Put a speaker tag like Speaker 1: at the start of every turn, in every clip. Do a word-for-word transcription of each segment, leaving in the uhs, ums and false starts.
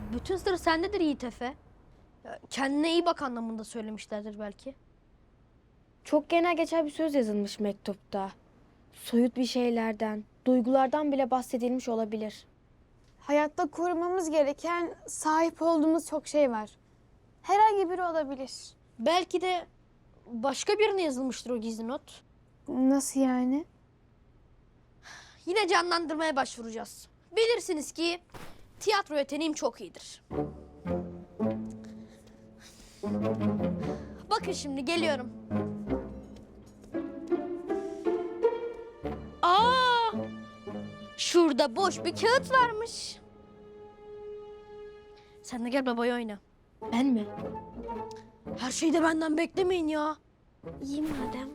Speaker 1: Bütün sır sendedir Yiğit Efe. Ya, kendine iyi bak anlamında söylemişlerdir belki.
Speaker 2: Çok genel geçer bir söz yazılmış mektupta. Soyut bir şeylerden, duygulardan bile bahsedilmiş olabilir.
Speaker 3: Hayatta korumamız gereken sahip olduğumuz çok şey var. Herhangi biri olabilir.
Speaker 1: Belki de başka birine yazılmıştır o gizli not.
Speaker 3: Nasıl yani?
Speaker 1: Yine canlandırmaya başvuracağız. Bilirsiniz ki tiyatro yeteneğim çok iyidir. Bakın şimdi geliyorum. Aa! Şurada boş bir kağıt varmış. Sen de gel babayı oyna.
Speaker 2: Ben mi?
Speaker 1: Her şeyi de benden beklemeyin ya.
Speaker 2: İyi madem.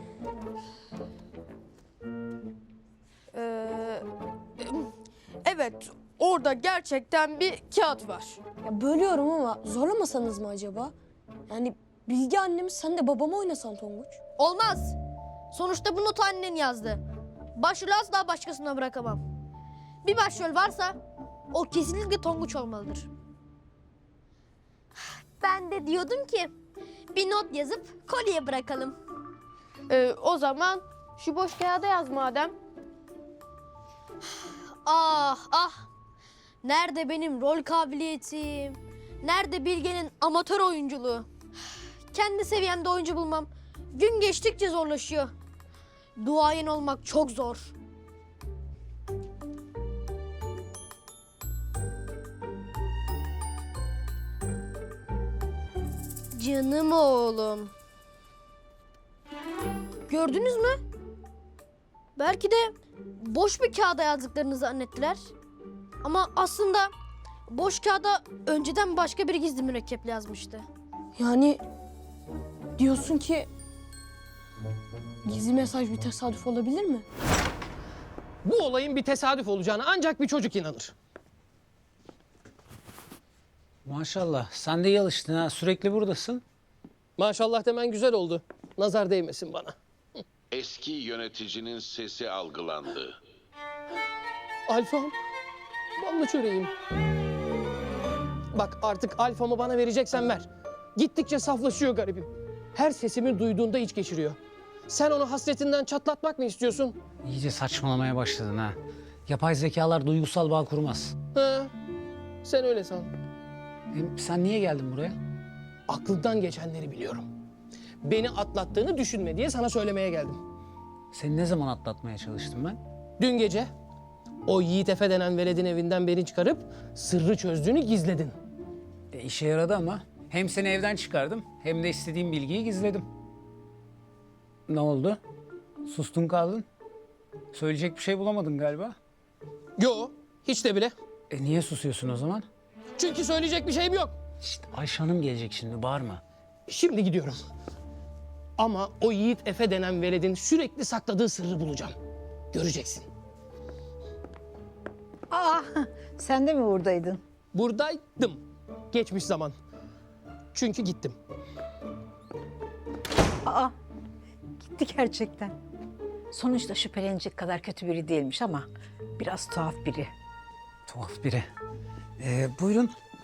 Speaker 4: Ee, evet, orada gerçekten bir kağıt var.
Speaker 5: Ya bölüyorum ama zorlamasanız mı acaba? Yani Bilge annemiz sen de babama oynasan Tonguç.
Speaker 1: Olmaz. Sonuçta bu notu annen yazdı. Başrolü asla başkasına bırakamam. Bir başrol varsa o kesinlikle Tonguç olmalıdır. Ben de diyordum ki bir not yazıp kolye bırakalım.
Speaker 4: Ee, o zaman şu boş kağıda yaz madem.
Speaker 1: Ah ah. Nerede benim rol kabiliyetim? Nerede Bilge'nin amatör oyunculuğu? Kendi seviyemde oyuncu bulmam gün geçtikçe zorlaşıyor. Duayen olmak çok zor. Canım oğlum. Gördünüz mü? Belki de boş bir kağıda yazdıklarını zannettiler. Ama aslında boş kağıda önceden başka bir gizli mürekkeple yazmıştı.
Speaker 5: Yani diyorsun ki gizli mesaj bir tesadüf olabilir mi?
Speaker 6: Bu olayın bir tesadüf olacağına ancak bir çocuk inanır.
Speaker 7: Maşallah sen de iyi alıştın ha, sürekli buradasın.
Speaker 6: Maşallah demen güzel oldu. Nazar değmesin bana.
Speaker 8: Eski yöneticinin sesi algılandı.
Speaker 6: Alfam, ballı çöreğim. Bak artık alfamı bana vereceksen ver. Gittikçe saflaşıyor garibim. Her sesimi duyduğunda iç geçiriyor. Sen onu hasretinden çatlatmak mı istiyorsun?
Speaker 7: İyice saçmalamaya başladın ha. Yapay zekalar duygusal bağ kurmaz.
Speaker 6: Ha, sen öyle san.
Speaker 7: Hem sen niye geldin buraya?
Speaker 6: Aklından geçenleri biliyorum. Beni atlattığını düşünme diye sana söylemeye geldim.
Speaker 7: Seni ne zaman atlatmaya çalıştım ben?
Speaker 6: Dün gece o Yiğit Efe denen veledin evinden beni çıkarıp sırrı çözdüğünü gizledin.
Speaker 7: E, işe yaradı ama. Hem seni evden çıkardım hem de istediğim bilgiyi gizledim. Ne oldu? Sustun kaldın. Söyleyecek bir şey bulamadın galiba.
Speaker 6: Yo, hiç de bile.
Speaker 7: E niye susuyorsun o zaman?
Speaker 6: Çünkü söyleyecek bir şeyim yok.
Speaker 7: İşte Ayşe Hanım gelecek şimdi, bağırma.
Speaker 6: Şimdi gidiyorum. Ama o Yiğit Efe denen veledin sürekli sakladığı sırrı bulacağım. Göreceksin.
Speaker 9: Aa, sen de mi buradaydın?
Speaker 6: Buradaydım. Geçmiş zaman. Çünkü gittim.
Speaker 9: Aa, gitti gerçekten. Sonuçta şüphelenecek kadar kötü biri değilmiş ama biraz tuhaf biri.
Speaker 7: Tuhaf biri. Ee, buyurun,